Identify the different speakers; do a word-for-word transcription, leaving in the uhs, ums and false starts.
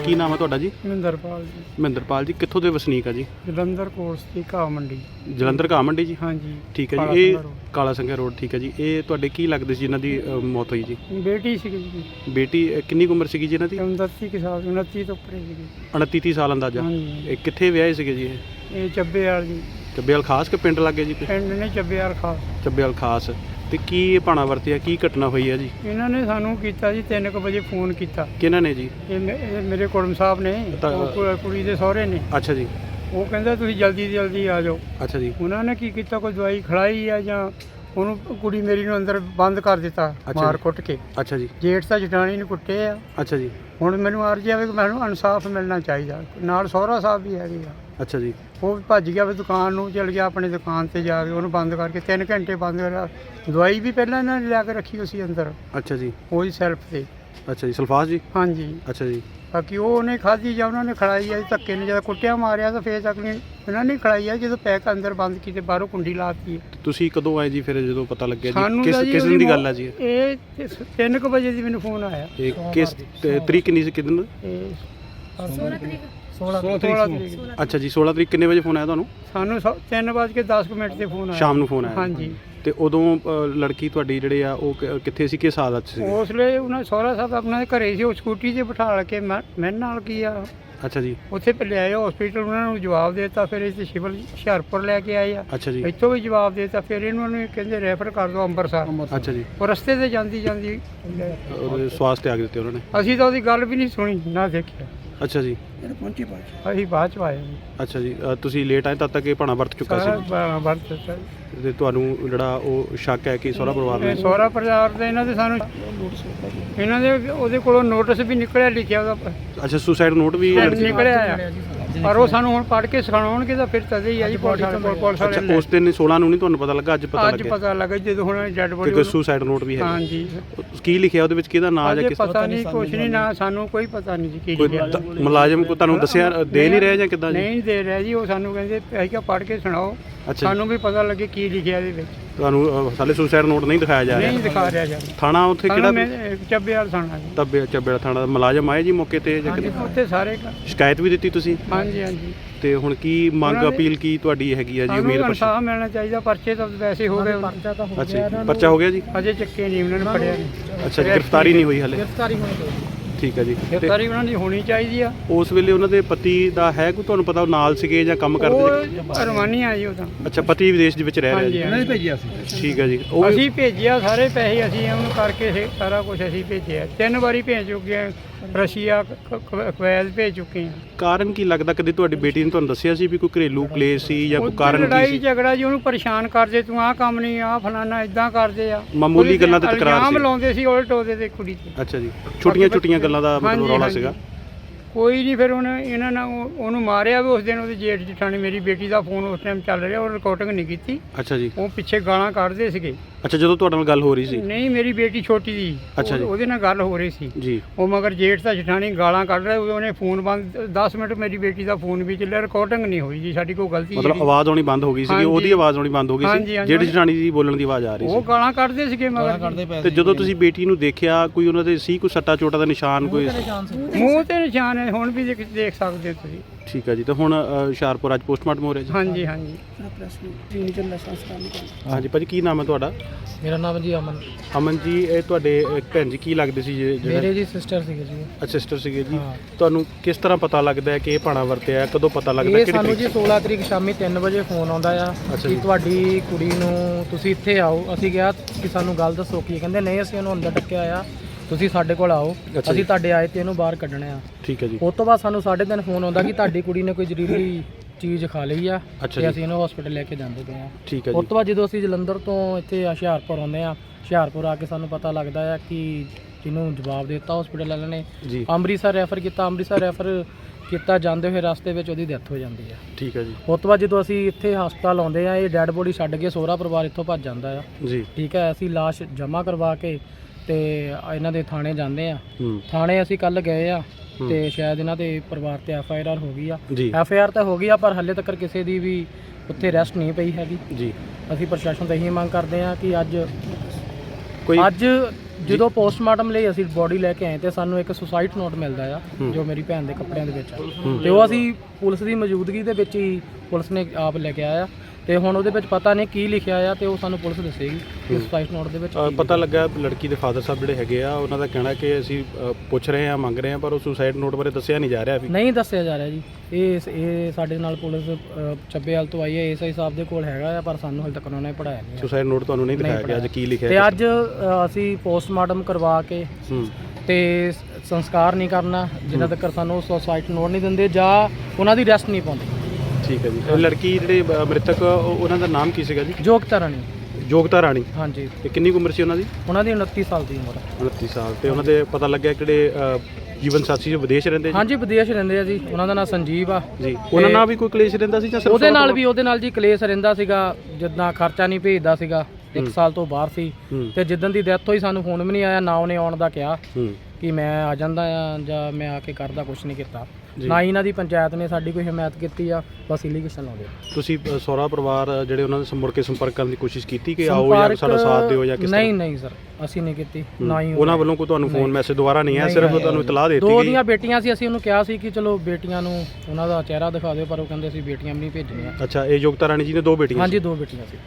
Speaker 1: ਕੀ ਨਾਮ ਹੈ ਤੁਹਾਡਾ ਜੀ?
Speaker 2: ਮਹਿੰਦਰਪਾਲ ਜੀ।
Speaker 1: ਮਹਿੰਦਰਪਾਲ ਜੀ ਕਿੱਥੋਂ ਦੇ ਵਸਨੀਕ ਆ ਜੀ?
Speaker 2: ਜਲੰਧਰ ਕੋਰਸ ਦੀ ਘਾਹ ਮੰਡੀ।
Speaker 1: ਜਲੰਧਰ ਘਾਹ ਮੰਡੀ ਜੀ?
Speaker 2: ਹਾਂਜੀ
Speaker 1: ਠੀਕ ਹੈ ਜੀ। ਇਹ ਕਾਲਾ ਸੰਘਿਆ ਰੋਡ, ਠੀਕ ਹੈ ਜੀ। ਇਹ ਤੁਹਾਡੇ ਕੀ ਲੱਗਦੇ ਸੀ ਜਿਨ੍ਹਾਂ ਦੀ ਅ, ਮੌਤ ਹੋਈ ਜੀ?
Speaker 2: ਬੇਟੀ ਸੀਗੀ ਜੀ।
Speaker 1: ਬੇਟੀ ਅ, ਕਿੰਨੀ ਕੁ ਉਮਰ ਸੀਗੀ ਜੀ ਇਹਨਾਂ ਦੀ?
Speaker 2: ਉਨੱਤੀ ਕੁ ਸਾਲ ਉਨੱਤੀ ਤੋਂ ਉੱਪਰ ਸੀਗੀ।
Speaker 1: ਉਨੱਤੀ ਤੀਹ ਸਾਲ ਅੰਦਾਜ਼ਾ।
Speaker 2: ਹਾਂਜੀ।
Speaker 1: ਇਹ ਕਿੱਥੇ ਵਿਆਹੇ ਸੀਗੇ ਜੀ? ਇਹ
Speaker 2: ਇਹ ਚੱਬੇਵਾਲ ਜੀ।
Speaker 1: ਚੱਬੇਵਾਲ ਖਾਸ ਕਿ ਪਿੰਡ ਲੱਗੇ ਜੀ?
Speaker 2: ਪਿੰਡ ਨੇ ਚੱਬੇਵਾਲ ਖਾਸ।
Speaker 1: ਚੱਬੇਵਾਲ ਖਾਸ। ਤੇ ਕੀ ਇਹ ਭਾਣਾ ਵਰਤਿਆ, ਕੀ ਘਟਨਾ ਹੋਈ ਹੈ ਜੀ?
Speaker 2: ਇਹਨਾਂ ਨੇ ਸਾਨੂੰ ਕੀਤਾ ਜੀ ਤਿੰਨ ਕੁ ਵਜੇ ਫੋਨ ਕੀਤਾ।
Speaker 1: ਕਿਹਨਾਂ ਨੇ ਜੀ?
Speaker 2: ਇਹ ਮੇ- ਇਹ ਮੇਰੇ ਕੁੜਮ ਸਾਹਿਬ ਨੇ,
Speaker 1: ਤਾਂ-
Speaker 2: ਉਹ ਕੁ- ਕੁੜੀ ਦੇ ਸਹੁਰੇ ਨੇ।
Speaker 1: ਅੱਛਾ ਜੀ।
Speaker 2: ਉਹ ਕਹਿੰਦਾ ਤੁਸੀਂ ਜਲਦੀ ਤੋਂ ਜਲਦੀ ਆ ਜਾਓ।
Speaker 1: ਅੱਛਾ ਜੀ।
Speaker 2: ਉਹਨਾਂ ਨੇ ਕੀ ਕੀਤਾ, ਕੋਈ ਦਵਾਈ ਖਿਲਾਈ ਆ ਜਾਂ ਉਹਨੂੰ ਕੁੜੀ ਮੇਰੀ ਨੂੰ ਅੰਦਰ ਬੰਦ ਕਰ ਦਿੱਤਾ
Speaker 1: ਅੱਛਾ
Speaker 2: ਮਾਰ
Speaker 1: ਜੀ।
Speaker 2: ਕੁੱਟ ਕੇ।
Speaker 1: ਅੱਛਾ ਜੀ।
Speaker 2: ਜੇਠ ਤਾਂ ਜਟਾਣੀ ਨੂੰ ਕੁੱਟੇ ਆ।
Speaker 1: ਅੱਛਾ ਜੀ।
Speaker 2: ਹੁਣ ਮੈਨੂੰ ਅਰਜ਼ੀ ਆਵੇ ਕਿ ਮੈਨੂੰ ਇਨਸਾਫ ਮਿਲਣਾ ਚਾਹੀਦਾ। ਨਾਲ ਸਹੁਰਾ ਸਾਹਿਬ ਵੀ ਹੈਗੇ ਆ।
Speaker 1: ਅੱਛਾ ਜੀ।
Speaker 2: ਉਹ ਵੀ ਭੱਜ ਗਿਆ ਵੀ ਦੁਕਾਨ ਨੂੰ ਚਲ ਗਿਆ, ਆਪਣੀ ਦੁਕਾਨ ਤੇ ਜਾ ਕੇ ਉਹਨੂੰ ਬੰਦ ਕਰਕੇ ਤਿੰਨ ਘੰਟੇ ਬੰਦ ਕਰਿਆ। ਦਵਾਈ ਵੀ ਪਹਿਲਾਂ ਇਹਨਾਂ ਨੇ ਲਿਆ ਕੇ ਰੱਖੀ ਹੋਈ ਸੀ ਅੰਦਰ,
Speaker 1: ਅੱਛਾ ਜੀ।
Speaker 2: ਉਹੀ ਸੈਲਫ ਤੇ।
Speaker 1: ਅੱਛਾ ਜੀ। ਸਲਫਾਸ ਜੀ?
Speaker 2: ਹਾਂਜੀ।
Speaker 1: ਅੱਛਾ ਜੀ।
Speaker 2: ਬਾਕੀ ਉਹ ਉਹਨੇ ਖਾਧੀ ਜਾਂ ਉਹਨਾਂ ਨੇ ਖੜਾਈ ਆ ਧੱਕੇ ਨੇ, ਜਦੋਂ ਕੁੱਟਿਆ ਮਾਰਿਆ ਤਾਂ ਫੇਰ ਤੱਕ ਨਹੀਂ ਇਹਨਾਂ ਨੇ ਖੜਾਈ ਆ। ਜਦੋਂ ਪੈਕ ਅੰਦਰ ਬੰਦ ਕੀਤੇ, ਬਾਹਰੋਂ ਕੁੰਡੀ ਲਾਤੀ।
Speaker 1: ਤੁਸੀਂ ਕਦੋਂ ਆਏ ਜੀ ਫਿਰ ਜਦੋਂ ਪਤਾ ਲੱਗਿਆ ਜੀ?
Speaker 2: ਸਾਨੂੰ
Speaker 1: ਕਿਸ
Speaker 2: ਤਾਂ ਜੀ
Speaker 1: ਕਿਸ ਦਿਨ ਦੀ ਗੱਲ ਹੈ ਜੀ?
Speaker 2: ਇਹ ਤਿੰਨ ਕੁ ਵਜੇ ਦੀ ਮੈਨੂੰ ਫੋਨ ਆਇਆ।
Speaker 1: ਇਹ ਕਿਸ ਤੇ ਤਰੀਕ ਕਿੰਨੀ ਸੀ, ਕਿਦਨ?
Speaker 2: ਇਹ
Speaker 3: ਸੋਲਾਂ ਤਰੀਕ
Speaker 2: ਸੋਲਾਂ ਤਰੀਕ।
Speaker 1: ਅੱਛਾ ਜੀ। ਸੋਲਾਂ ਤਰੀਕ ਕਿੰਨੇ ਵਜੇ ਫੋਨ ਆਇਆ ਤੁਹਾਨੂੰ?
Speaker 2: ਸਾਨੂੰ ਸੌ- ਤਿੰਨ ਵੱਜ ਕੇ ਦਸ ਕੁ ਮਿੰਟ ਤੇ ਫੋਨ ਆਇਆ।
Speaker 1: ਸ਼ਾਮ ਨੂੰ ਫੋਨ ਆਇਆ?
Speaker 2: ਹਾਂਜੀ।
Speaker 1: ਤੇ ਉਦੋਂ ਅ, ਲੜਕੀ ਤੁਹਾਡੀ ਜਿਹੜੇ ਆ ਉਹ ਕ- ਕਿੱਥੇ ਸੀ, ਕਿਸ ਹਾਲਤ 'ਚ ਸੀ?
Speaker 2: ਉਸ ਵੇਲੇ ਉਹਨਾਂ ਸਹੁਰਾ ਸਾਹਿਬ ਆਪਣੇ ਘਰੇ ਸੀ। ਉਹ ਸਕੂਟੀ 'ਤੇ ਬਿਠਾ ਕੇ ਮੈਂ ਮੇਰੇ ਨਾਲ ਕੀ ਆ
Speaker 1: ਅੱਛਾ ਜੀ।
Speaker 2: ਉੱਥੇ ਪ ਲਿਆਏ ਹਸਪੀਟਲ। ਉਹਨਾਂ ਨੂੰ ਜਵਾਬ ਦੇ ਦਿੱਤਾ। ਫਿਰ ਇੱਥੇ ਸਿਵਲ ਹੁਸ਼ਿਆਰਪੁਰ ਲੈ ਕੇ ਆਏ ਆ।
Speaker 1: ਅੱਛਾ ਜੀ।
Speaker 2: ਇੱਥੋਂ ਵੀ ਜਵਾਬ ਦੇ ਦਿੱਤਾ। ਫਿਰ ਇਹਨਾਂ ਨੂੰ ਕਹਿੰਦੇ ਰੈਫਰ ਕਰ ਦਿਓ ਅੰਮ੍ਰਿਤਸਰ।
Speaker 1: ਅੱਛਾ ਜੀ।
Speaker 2: ਉਹ ਰਸਤੇ ਤੇ ਜਾਂਦੀ ਜਾਂਦੀ
Speaker 1: ਉਹਦੇ ਸਵਾਸ ਤਿਆਗ ਦਿੱਤੇ ਉਹਨਾਂ ਨੇ?
Speaker 2: ਅਸੀਂ ਤਾਂ ਉਹਦੀ ਗੱਲ ਵੀ ਨਹੀਂ ਸੁਣੀ ਨਾ ਦੇਖਿਆ।
Speaker 1: ਅੱਛਾ ਜੀ।
Speaker 2: ਅਸੀਂ ਬਾਅਦ ਚ ਆਏ ਜੀ।
Speaker 1: ਅੱਛਾ ਜੀ। ਅ, ਤੁਸੀਂ ਲੇਟ ਆਏ ਤਦ ਤੱਕ ਇਹ ਭਾਣਾ ਵਰਤ ਚੁੱਕਾ
Speaker 2: ਸਾਰਾ
Speaker 1: ਸੀ
Speaker 2: ਬ- ਵਰਤ ਦਿੱਤਾ ਜੀ।
Speaker 1: ਤੇ ਤੁਹਾਨੂੰ ਜਿਹੜਾ ਉਹ ਸ਼ੱਕ ਹੈ ਕਿ ਸਹੁਰਾ ਪਰਿਵਾਰ
Speaker 2: ਇਹ
Speaker 1: ਨੇ?
Speaker 2: ਸਹੁਰਾ ਪਰਿਵਾਰ ਦੇ ਇਹਨਾਂ ਦੇ ਸਾਨੂੰ ਇਹਨਾਂ ਦੇ ਉਹਦੇ ਕੋਲੋਂ ਨੋਟਿਸ ਵੀ ਨਿਕਲਿਆ, ਲਿਖਿਆ ਉਹਦਾ
Speaker 1: ਅੱਛਾ। ਸੁਸਾਈਡ ਨੋਟ ਵੀ?
Speaker 2: ਨਿਕਲਿਆ ਆ। ਪਰ ਉਹ ਸਾਨੂੰ ਹੁਣ ਪੜ੍ਹ ਕੇ ਸਿਖਾਉਣਗੇ ਤਾਂ ਫਿਰ ਤਦੇ ਹੀ ਆ ਜੀ। ਪੁਲਿਸ ਵਾਲੇ ਕੋਲ ਪੁਲਿਸ
Speaker 1: ਅੱਛਾ।
Speaker 2: ਵਾਲੇ
Speaker 1: ਉਸ ਦਿਨ ਸੋਲਾਂ ਨੂੰ ਨਹੀਂ ਤੁਹਾਨੂੰ ਪਤਾ ਲੱਗਾ? ਅੱਜ ਪਤਾ
Speaker 2: ਅੱਜ
Speaker 1: ਲੱਗਿਆ
Speaker 2: ਪਤਾ ਲੱਗਾ ਜਦੋਂ ਹੁਣ ਡੈਡ
Speaker 1: ਕਿ
Speaker 2: ਬੋਡੀ।
Speaker 1: ਕੋਈ ਸੁਸਾਈਡ ਨੋਟ ਵੀ ਹੈ?
Speaker 2: ਹਾਂਜੀ।
Speaker 1: ਕੀ ਲਿਖਿਆ ਉਹਦੇ ਵਿੱਚ, ਕਿਹਦਾ ਨਾਮ ਹੈ
Speaker 2: ਅਜੇ
Speaker 1: ਕਿਸ
Speaker 2: ਪਤਾ ਨਹੀਂ, ਕੁਛ ਨਹੀਂ ਨਾ ਸਾਨੂੰ ਕੋਈ ਪਤਾ ਨਹੀਂ ਜੀ ਕੀ
Speaker 1: ਕੋਈ
Speaker 2: ਲਿਖਿਆ।
Speaker 1: ਦ- ਮੁਲਾਜ਼ਮ ਕੋ ਤੁਹਾਨੂੰ ਦੱਸਿਆ ਦੇ ਨਹੀਂ ਰਿਹਾ ਜਾਂ ਕਿੱਦਾਂ ਜੀ?
Speaker 2: ਨਹੀਂ ਦੇ ਰਿਹਾ ਜੀ। ਉਹ ਸਾਨੂੰ ਕਹਿੰਦੇ ਅਸੀਂ ਕਿਹਾ ਪੜ੍ਹ ਕੇ ਸੁਣਾਓ,
Speaker 1: ਅੱਛਾ।
Speaker 2: ਸਾਨੂੰ ਵੀ ਪਤਾ ਲੱਗੇ ਕੀ ਲਿਖਿਆ ਇਹਦੇ ਵਿੱਚ।
Speaker 1: ਤੁਹਾਨੂੰ ਅ, ਹਾਲੇ ਸੁਸਾਈਡ ਨੋਟ ਨਹੀਂ ਦਿਖਾਇਆ ਜਾ ਰਿਹਾ?
Speaker 2: ਨਹੀਂ ਦਿਖਾ ਰਿਹਾ ਜੀ।
Speaker 1: ਥਾਣਾ ਉੱਥੇ
Speaker 2: ਸਾਨੂੰ
Speaker 1: ਕਿਹੜਾ?
Speaker 2: ਮੈਂ ਚੱਬੇ ਵਾਲ ਸੁਣਾ ਜੀ।
Speaker 1: ਤੱਬੇ ਚੱਬੇੜਾ ਥਾਣਾ ਦਾ ਮੁਲਾਜ਼ਮ ਆਏ ਜੀ ਮੌਕੇ ਤੇ ਜਾਂ
Speaker 2: ਹਾਂਜੀ
Speaker 1: ਕਿੱਦਾਂ?
Speaker 2: ਉੱਥੇ ਸਾਰੇ ਕ-
Speaker 1: ਸ਼ਿਕਾਇਤ ਵੀ ਦਿੱਤੀ ਤੁਸੀਂ?
Speaker 2: ਹਾਂਜੀ ਹਾਂਜੀ।
Speaker 1: ਤੇ ਹੁਣ ਕੀ ਮੰਗ
Speaker 2: ਉਹਨਾਂ ਦੇ-
Speaker 1: ਅਪੀਲ ਕੀ ਤੁਹਾਡੀ ਹੈਗੀ ਆ ਜੀ?
Speaker 2: ਸਾਨੂੰ
Speaker 1: ਉਮੀਦ ਪਰਚਾ?
Speaker 2: ਇਨਸਾਫ ਮਿਲਣਾ ਚਾਹੀਦਾ। ਪਰਚੇ ਤਾਂ ਵੈਸੇ ਹੋ ਗਏ।
Speaker 1: ਅੱਛਾ ਜੀ। ਪਰਚਾ ਹੋ ਗਿਆ ਜੀ?
Speaker 2: ਅਜੇ ਚੱਕੇ ਨਹੀਂ ਉਹਨਾਂ ਨੇ ਫੜਿਆ ਨਹੀਂ।
Speaker 1: ਅੱਛਾ ਜੀ। ਗ੍ਰਿਫਤਾਰੀ ਨਹੀਂ ਹੋਈ ਹਾਲੇ?
Speaker 2: ਗ੍ਰਿਫਤਾਰੀ ਹੋਣੀ ਚਾਹੀਦੀ।
Speaker 1: ਠੀਕ ਹੈ ਜੀ। ਤੇ
Speaker 2: ਗ੍ਰਿਫਤਾਰੀ ਉਹਨਾਂ ਦੀ ਹੋਣੀ ਚਾਹੀਦੀ ਆ।
Speaker 1: ਉਸ ਵੇਲੇ ਉਹਨਾਂ ਦੇ ਪਤੀ ਦਾ ਹੈ ਕੋਈ ਤੁਹਾਨੂੰ ਪਤਾ, ਉਹ ਨਾਲ ਸੀਗੇ ਜਾਂ ਕੰਮ ਕਰਦੇ ਸੀ?
Speaker 2: ਉਹ ਰਵਾਨੀ ਆ ਜੀ ਉਹ ਤਾਂ।
Speaker 1: ਅੱਛਾ। ਪਤੀ ਵਿਦੇਸ਼ ਦੇ ਵਿੱਚ ਰਹਿ ਰਿਹਾ ਜੀ?
Speaker 2: ਹਾਂਜੀ ਹਾਂਜੀ।
Speaker 3: ਭੇਜਿਆ ਸੀ।
Speaker 1: ਠੀਕ ਹੈ ਜੀ। ਉਹ ਵੀ-
Speaker 2: ਅਸੀਂ ਭੇਜਿਆ ਸਾਰੇ ਪੈਸੇ ਅਸੀਂ ਉਹਨੂੰ ਕਰਕੇ ਸੇ- ਸਾਰਾ ਕੁਝ ਅਸੀਂ ਭੇਜਿਆ। ਤਿੰਨ ਵਾਰੀ ਭੇਜ ਚੁੱਕੇ ਆ। ਰਸ਼ੀਆ, ਕ- ਕ- ਕੁਵੈਤ ਭੇਜ ਚੁੱਕੇ ਆ।
Speaker 1: ਕਾਰਨ ਕੀ ਲੱਗਦਾ? ਕਦੇ ਤੁਹਾਡੀ ਬੇਟੀ ਨੇ ਤੁਹਾਨੂੰ ਦੱਸਿਆ ਸੀ ਵੀ ਕੋਈ ਘਰੇਲੂ ਕਲੇਸ਼ ਸੀ ਜਾਂ ਕੋਈ
Speaker 2: ਉੱਥੇ
Speaker 1: ਕਾਰਨ ਕੀ
Speaker 2: ਲੜਾਈ
Speaker 1: ਸੀ?
Speaker 2: ਝਗੜਾ ਜੀ। ਉਹਨੂੰ ਪਰੇਸ਼ਾਨ ਕਰਦੇ, ਤੂੰ ਆਹ ਕੰਮ ਨਹੀਂ, ਆਹ ਫਲਾਨਾ ਇਦਾਂ ਕਰਦੇ ਆ।
Speaker 1: ਮਾਮੂਲੀ
Speaker 2: ਉਹਦੇ
Speaker 1: ਗੱਲਾਂ ਤੇ ਤਕਰਾਰ
Speaker 2: ਇਲਜ਼ਾਮ
Speaker 1: ਸੀ?
Speaker 2: ਲਾਉਂਦੇ ਸੀ ਉਲਟ ਉਹਦੇ ਤੇ ਕੁੜੀ ਤੇ।
Speaker 1: ਅੱਛਾ ਜੀ। ਛੋਟੀਆਂ ਛੋਟੀਆਂ ਗੱਲਾਂ ਦਾ ਮਤਲਬ
Speaker 2: ਹਾਂਜੀ,
Speaker 1: ਰੌਲਾ
Speaker 2: ਹਾਂਜੀ।
Speaker 1: ਸੀਗਾ?
Speaker 2: ਕੋਈ ਨਹੀਂ। ਫਿਰ ਉਹਨੇ ਇਹਨਾਂ ਨੇ ਉਹ- ਉਹਨੂੰ ਮਾਰਿਆ ਵੀ ਉਸ ਦਿਨ। ਉਹਦੀ ਜੇਠ ਜਠਾਣੀ ਮੇਰੀ ਬੇਟੀ ਦਾ ਫੋਨ ਉਸ ਟਾਈਮ ਚੱਲ ਰਿਹਾ, ਉਹ ਰਿਕਾਰਡਿੰਗ ਨਹੀਂ ਕੀਤੀ।
Speaker 1: ਅੱਛਾ ਜੀ।
Speaker 2: ਉਹ ਪਿੱਛੇ ਗਾਲਾਂ ਕੱਢਦੇ ਸੀਗੇ।
Speaker 1: ਅੱਛਾ। ਜਦੋਂ ਤੁਹਾਡੇ ਨਾਲ ਗੱਲ ਹੋ ਰਹੀ ਸੀ?
Speaker 2: ਨਹੀਂ ਮੇਰੀ ਬੇਟੀ ਛੋਟੀ ਦੀ।
Speaker 1: ਅੱਛਾ ਜੀ।
Speaker 2: ਉਹ- ਉਹਦੇ ਨਾਲ ਗੱਲ ਹੋ ਰਹੀ ਸੀ।
Speaker 1: ਜੀ।
Speaker 2: ਉਹ ਮਗਰ ਜੇਠ ਦਾ ਜਠਾਣੀ ਗਾਲਾਂ ਕੱਢ ਰਿਹਾ, ਉਹਨੇ ਫੋਨ ਬੰਦ ਦਸ ਮਿੰਟ ਮੇਰੀ ਬੇਟੀ ਦਾ ਫੋਨ ਵੀ ਚੱਲਿਆ। ਰਿਕਾਰਡਿੰਗ ਨਹੀਂ ਹੋਈ ਜੀ, ਸਾਡੀ ਕੋਈ ਗਲਤੀ
Speaker 1: ਮਤਲਬ
Speaker 2: ਨਹੀਂ।
Speaker 1: ਆਵਾਜ਼ ਆਉਣੀ ਬੰਦ ਹੋ ਗਈ ਸੀ?
Speaker 2: ਹਾਂਜੀ।
Speaker 1: ਉਹਦੀ ਆਵਾਜ਼ ਆਉਣੀ ਬੰਦ ਹੋ ਗਈ
Speaker 2: ਹਾਂਜੀ,
Speaker 1: ਸੀ?
Speaker 2: ਹਾਂਜੀ।
Speaker 1: ਜਿਹੜੀ ਜਠਾਣੀ ਦੀ ਬੋਲਣ ਦੀ ਆਵਾਜ਼ ਆ ਰਹੀ
Speaker 2: ਉਹ
Speaker 1: ਸੀ?
Speaker 2: ਗਾਲਾਂ ਕੱਢਦੇ ਸੀਗੇ ਮਗਰ।
Speaker 1: ਤੇ ਜਦੋਂ ਤੁਸੀਂ ਬੇਟੀ ਨੂੰ ਦੇਖਿਆ, ਕੋਈ ਉਹਨਾਂ ਦੇ ਸੀ ਕੋਈ ਸੱਟਾ ਚੋਟਾ ਦਾ ਨਿਸ਼ਾਨ ਕੋਈ?
Speaker 2: ਮੂੰਹ ਤੇ ਨਿਸ਼ਾਨ ਹੈ, ਹੁਣ ਵੀ ਦੇਖ ਦੇਖ ਸਕਦੇ ਹੋ ਤੁਸੀਂ।
Speaker 1: ਠੀਕ ਹੈ ਜੀ। ਤੇ ਹੁਣ ਅ, ਹੁਸ਼ਿਆਰਪੁਰ ਅੱਜ ਪੋਸਟਮਾਰਟਮ ਹੋ ਰਿਹਾ ਜੀ?
Speaker 2: ਹਾਂਜੀ ਹਾਂਜੀ।
Speaker 1: ਹਾਂਜੀ ਭਾਜੀ, ਕੀ ਨਾਮ ਹੈ ਤੁਹਾਡਾ?
Speaker 3: ਮੇਰਾ ਨਾਮ ਜੀ ਅਮਨ।
Speaker 1: ਅਮਨ ਜੀ, ਇਹ ਤੁਹਾਡੇ ਅ, ਭੈਣ ਜੀ ਕੀ ਲੱਗਦੇ ਸੀ ਜੀ ਜਿਹੜਾ?
Speaker 3: ਮੇਰੇ ਜੀ ਸਿਸਟਰ ਸੀਗੇ ਜੀ।
Speaker 1: ਸਿਸਟਰ ਸੀਗੇ ਜੀ।
Speaker 3: ਹਾਂ।
Speaker 1: ਤੁਹਾਨੂੰ ਕਿਸ ਤਰ੍ਹਾਂ ਪਤਾ ਲੱਗਦਾ ਹੈ ਕਿ ਇਹ ਭਾਣਾ ਵਰਤਿਆ? ਕਦੋਂ ਪਤਾ ਲੱਗਦਾ?
Speaker 3: ਇਹ
Speaker 1: ਕਿਹੜੀ
Speaker 3: ਸਾਨੂੰ ਜੀ
Speaker 1: ਤਰੀਕ?
Speaker 3: ਸੋਲਾਂ ਤਰੀਕ ਸ਼ਾਮੀ ਤਿੰਨ ਵਜੇ ਫੋਨ ਆਉਂਦਾ ਆ
Speaker 1: ਅੱਛਾ
Speaker 3: ਕਿ
Speaker 1: ਜੀ।
Speaker 3: ਤੁਹਾਡੀ ਕੁੜੀ ਨੂੰ ਤੁਸੀਂ ਇੱਥੇ ਆਓ। ਅਸੀਂ ਕਿਹਾ ਕਿ ਸਾਨੂੰ ਗੱਲ ਦੱਸੋ ਕੀ। ਕਹਿੰਦੇ ਨਹੀਂ ਅਸੀਂ ਉਹਨੂੰ ਅੰਦਰ ਡੱਕਿਆ ਆ, ਤੁਸੀਂ ਸਾਡੇ ਕੋਲ ਆਓ,
Speaker 1: ਅੱਛਾ ਜੀ।
Speaker 3: ਅਸੀਂ ਤੁਹਾਡੇ ਆਏ ਤੇ ਇਹਨੂੰ ਬਾਹਰ ਕੱਢਣਾ ਆ।
Speaker 1: ਠੀਕ ਹੈ ਜੀ।
Speaker 3: ਉਸ ਤੋਂ ਬਾਅਦ ਸਾਨੂੰ ਸਾਢੇ ਤਿੰਨ ਫੋਨ ਆਉਂਦਾ ਕਿ ਤੁਹਾਡੀ ਕੁੜੀ ਨੇ ਕੋਈ ਜ਼ਹਿਰੀਲੀ ਚੀਜ਼ ਖਾ ਲਈ ਆ
Speaker 1: ਅੱਛਾ
Speaker 3: ਤੇ
Speaker 1: ਜੀ।
Speaker 3: ਅਸੀਂ ਇਹਨੂੰ ਹਸਪੀਟਲ ਲੈ ਕੇ ਜਾਂਦੇ ਪਏ ਆ।
Speaker 1: ਠੀਕ ਹੈ
Speaker 3: ਉਸ
Speaker 1: ਜੀ।
Speaker 3: ਤੋਂ ਬਾਅਦ ਜਦੋਂ ਅਸੀਂ ਜਲੰਧਰ ਤੋਂ ਇੱਥੇ ਹੁਸ਼ਿਆਰਪੁਰ ਆਉਂਦੇ ਆ, ਹੁਸ਼ਿਆਰਪੁਰ ਆ ਕੇ ਸਾਨੂੰ ਪਤਾ ਲੱਗਦਾ ਆ ਕਿ ਜਿਹਨੂੰ ਜਵਾਬ ਦੇ ਦਿੱਤਾ ਹਸਪੀਟਲ ਵਾਲਿਆਂ ਨੇ,
Speaker 1: ਜੀ।
Speaker 3: ਅੰਮ੍ਰਿਤਸਰ ਰੈਫਰ ਕੀਤਾ। ਅੰਮ੍ਰਿਤਸਰ ਰੈਫਰ ਕੀਤਾ, ਜਾਂਦੇ ਹੋਏ ਰਸਤੇ ਵਿੱਚ ਉਹਦੀ ਡੈਥ ਹੋ ਜਾਂਦੀ ਆ।
Speaker 1: ਠੀਕ ਹੈ ਜੀ।
Speaker 3: ਉਸ ਤੋਂ ਬਾਅਦ ਜਦੋਂ ਅਸੀਂ ਇੱਥੇ ਹਸਪਤਾਲ ਆਉਂਦੇ ਆ, ਇਹ ਡੈੱਡ ਬੋਡੀ ਛੱਡ ਕੇ ਸਹੁਰਾ ਪਰਿਵਾਰ ਇੱਥੋਂ ਭੱਜ ਜਾਂਦਾ ਆ।
Speaker 1: ਜੀ।
Speaker 3: ਠੀਕ ਹੈ। ਅਸੀਂ ਲਾਸ਼ ਜਮ੍ਹਾਂ ਕਰਵਾ ਕੇ ਤੇ ਇਹਨਾਂ ਦੇ ਥਾਣੇ ਜਾਂਦੇ ਆ।
Speaker 1: ਹੂੰ।
Speaker 3: ਥਾਣੇ ਅਸੀਂ ਕੱਲ ਗਏ ਆ
Speaker 1: ਹੂੰ।
Speaker 3: ਤੇ ਸ਼ਾਇਦ ਇਹਨਾਂ ਦੇ ਪਰਿਵਾਰ ਤੇ ਐਫ ਆਈ ਆਰ ਹੋ ਗਈ ਆ।
Speaker 1: ਜੀ।
Speaker 3: ਐਫ ਆਈ ਆਰ ਤਾਂ ਹੋ ਗਈ ਆ, ਪਰ ਹੱਲੇ ਤੱਕ ਕਿਸੇ ਦੀ ਵੀ ਉੱਥੇ ਅਰੈਸਟ ਨਹੀਂ ਪਈ ਹੈਗੀ।
Speaker 1: ਜੀ।
Speaker 3: ਅਸੀਂ ਪ੍ਰਸ਼ਾਸਨ ਤੋਂ ਇਹੀ ਮੰਗ ਕਰਦੇ ਆ ਕਿ ਅੱਜ
Speaker 1: ਕੋਈ
Speaker 3: ਅੱਜ ਜਦੋਂ ਪੋਸਟਮਾਰਟਮ ਲਈ ਅਸੀਂ ਬੋਡੀ ਲੈ ਕੇ ਆਏ ਤੇ ਸਾਨੂੰ ਇੱਕ ਸੁਸਾਈਡ ਨੋਟ ਮਿਲਦਾ ਆ
Speaker 1: ਹੂੰ।
Speaker 3: ਜੋ ਮੇਰੀ ਭੈਣ ਦੇ ਕੱਪੜਿਆਂ ਦੇ ਵਿੱਚ ਆ
Speaker 1: ਹੂੰ।
Speaker 3: ਤੇ ਉਹ ਅਸੀਂ ਪੁਲਿਸ ਦੀ ਮੌਜੂਦਗੀ ਦੇ ਵਿੱਚ ਹੀ ਪੁਲਿਸ ਨੇ ਆਪ ਲੈ ਕੇ ਆਇਆ ਤੇ ਹੁਣ ਉਹਦੇ ਵਿੱਚ ਪਤਾ ਨਹੀਂ ਕੀ ਲਿਖਿਆ ਆ ਤੇ ਉਹ ਸਾਨੂੰ ਪੁਲਿਸ ਦੱਸੇਗੀ ਕਿ
Speaker 1: ਹੂੰ।
Speaker 3: ਸੁਸਾਈਡ ਨੋਟ ਦੇ ਵਿੱਚ
Speaker 1: ਅ,
Speaker 3: ਕੀ
Speaker 1: ਪਤਾ ਲੱਗਾ ਲੜਕੀ ਦੇ ਫਾਦਰ ਸਾਹਿਬ ਜਿਹੜੇ ਹੈਗੇ ਆ ਉਹਨਾਂ ਦਾ ਕਹਿਣਾ ਕਿ ਅਸੀਂ ਅ, ਪੁੱਛ ਰਹੇ ਹਾਂ ਮੰਗ ਰਹੇ ਹਾਂ ਪਰ ਉਹ ਸੁਸਾਈਡ ਨੋਟ ਬਾਰੇ ਦੱਸਿਆ ਨਹੀਂ ਜਾ ਰਿਹਾ ਵੀ
Speaker 3: ਨਹੀਂ ਦੱਸਿਆ ਜਾ ਰਿਹਾ ਜੀ। ਇਹ ਇਹ ਸਾਡੇ ਨਾਲ ਪੁਲਿਸ ਅ, ਚੱਬੇਵਾਲ ਤੋਂ ਆਈ ਹੈ ਐਸਆਈ ਸਾਹਿਬ ਦੇ ਕੋਲ ਹੈਗਾ ਆ ਪਰ ਸਾਨੂੰ ਹਾਲੇ ਤੱਕ ਉਹਨਾਂ ਨੇ ਪੜਾਇਆ ਨਹੀਂ ਹੈ।
Speaker 1: ਸੁਸਾਈਡ ਨੋਟ ਤੁਹਾਨੂੰ ਨਹੀਂ ਦਿਖਾਇਆ ਗਿਆ ਅੱਜ ਕੀ ਲਿਖਿਆ
Speaker 3: ਤੇ
Speaker 1: ਹੈ?
Speaker 3: ਅੱਜ ਅ, ਅਸੀਂ ਪੋਸਟਮਾਰਟਮ ਕਰਵਾ ਕੇ
Speaker 1: ਹੂੰ
Speaker 3: ਤੇ ਸ- ਸੰਸਕਾਰ ਨਹੀਂ ਕਰਨਾ ਜਿੰਨਾ ਤੱਕ ਸਾਨੂੰ ਸੁਸਾਈਡ ਨੋਟ ਨਹੀਂ ਦਿੰਦੇ ਜਾਂ ਉਹਨਾਂ ਦੀ ਰੈਸਟ ਨਹੀਂ ਪਾਉਂਦੇ।
Speaker 1: ਠੀਕ ਹੈ ਜੀ ਇਹ ਲੜਕੀ ਜਿਹੜੇ ਅ, ਮ੍ਰਿਤਕ ਉਹ- ਉਹਨਾਂ ਦਾ ਨਾਮ ਕੀ ਸੀਗਾ ਜੀ?
Speaker 3: ਯੋਗਤਾ ਰਾਣੀ।
Speaker 1: ਯੋਗਤਾ ਰਾਣੀ।
Speaker 3: ਹਾਂਜੀ,
Speaker 1: ਤੇ ਕਿੰਨੀ ਕੁ ਉਮਰ ਸੀ ਉਹਨਾਂ ਦੀ?
Speaker 3: ਉਹਨਾਂ ਦੀ ਉਨੱਤੀ ਸਾਲ ਦੀ ਉਮਰ ਹੈ।
Speaker 1: ਉਨੱਤੀ ਸਾਲ। ਤੇ ਉਹਨਾਂ ਦੇ ਪਤਾ ਲੱਗਿਆ ਕਿਹੜੇ ਅ, ਜੀਵਨ ਸਾਥੀ ਜੋ ਵਿਦੇਸ਼ ਰਹਿੰਦੇ ਜੀ?
Speaker 3: ਹਾਂਜੀ, ਵਿਦੇਸ਼ ਰਹਿੰਦੇ ਆ ਜੀ। ਉਹਨਾਂ ਦਾ ਨਾਮ ਸੰਜੀਵ ਆ
Speaker 1: ਜੀ ਉਹਨਾਂ ਨਾਲ ਵੀ ਕੋਈ ਕਲੇਸ਼ ਰਹਿੰਦਾ ਸੀ ਜਾਂ ਸਿਰਫ
Speaker 3: ਉਹਦੇ ਨਾਲ ਵੀ ਉਹਦੇ ਨਾਲ ਜੀ ਕਲੇਸ਼ ਰਹਿੰਦਾ ਸੀਗਾ। ਜਿੱਦਾਂ ਖਰਚਾ ਨਹੀਂ ਭੇਜਦਾ ਸੀਗਾ, ਇੱਕ
Speaker 1: ਹੂੰ।
Speaker 3: ਸਾਲ ਤੋਂ ਬਾਹਰ ਸੀ
Speaker 1: ਹੂੰ
Speaker 3: ਤੇ ਜਿੱਦਣ ਦੀ ਡੈਥ ਹੋਈ ਸਾਨੂੰ ਫੋਨ ਵੀ ਨਹੀਂ ਆਇਆ, ਨਾ ਉਹਨੇ ਆਉਣ ਦਾ ਕਿਹਾ
Speaker 1: ਹੂੰ
Speaker 3: ਕਿ ਮੈਂ ਆ ਜਾਂਦਾ ਆ ਜਾਂ ਮੈਂ ਆ ਕੇ ਕਰਦਾ, ਕੁਝ ਨਹੀਂ ਕੀਤਾ।
Speaker 1: ਜੀ।
Speaker 3: ਨਾ ਹੀ ਇਹਨਾਂ ਦੀ ਪੰਚਾਇਤ ਨੇ ਸਾਡੀ ਕੋਈ ਹਮਾਇਤ ਕੀਤੀ ਆ, ਬਸ ਇਲੀਗੇਸ਼ਨ ਲਾਉਂਦੇ ਆ।
Speaker 1: ਤੁਸੀਂ ਅ, ਸਹੁਰਾ ਪਰਿਵਾਰ ਅ, ਜਿਹੜੇ ਉਹਨਾਂ ਦੇ ਮੁੜ ਕੇ ਸੰਪਰਕ ਕਰਨ ਦੀ ਕੋਸ਼ਿਸ਼ ਕੀਤੀ ਕਿ ਆਓ ਜਾਂ ਸਾਡਾ ਸਾਥ ਦਿਓ ਜਾਂ ਕਿਸ ਤਰ੍ਹਾਂ?
Speaker 3: ਨਹੀਂ ਨਹੀਂ ਸਰ, ਅਸੀਂ ਨਹੀਂ ਕੀਤੀ,
Speaker 1: ਹੂੰ।
Speaker 3: ਨਾ ਹੀ
Speaker 1: ਉਹਨਾਂ ਵੱਲੋਂ ਕੋਈ ਤੁਹਾਨੂੰ ਫੋਨ
Speaker 3: ਨਹੀਂ।
Speaker 1: ਮੈਸੇਜ ਦੁਬਾਰਾ ਨਹੀਂ ਆਇਆ,
Speaker 3: ਨਹੀਂ
Speaker 1: ਸਿਰਫ
Speaker 3: ਆਇਆ।
Speaker 1: ਤੁਹਾਨੂੰ ਇਤਲਾਹ ਦੇ ਦਿੱਤੀ
Speaker 3: ਦੋ
Speaker 1: ਗਈ?
Speaker 3: ਦੀਆਂ ਬੇਟੀਆਂ ਸੀ, ਅਸੀਂ ਉਹਨੂੰ ਕਿਹਾ ਸੀ ਕਿ ਚਲੋ ਬੇਟੀਆਂ ਨੂੰ ਉਹਨਾਂ ਦਾ ਚਿਹਰਾ ਦਿਖਾ ਦਿਓ ਪਰ ਉਹ ਕਹਿੰਦੇ ਅਸੀਂ ਬੇਟੀਆਂ ਵੀ ਨਹੀਂ ਭੇਜਣੀਆਂ।
Speaker 1: ਅੱਛਾ ਇਹ ਯੋਗਤਾ ਰਾਣੀ ਜੀ ਨੇ ਦੋ ਬੇਟੀਆਂ
Speaker 3: ਹਾਂਜੀ,
Speaker 1: ਸੀ?
Speaker 3: ਦੋ ਬੇਟੀਆਂ ਸੀ।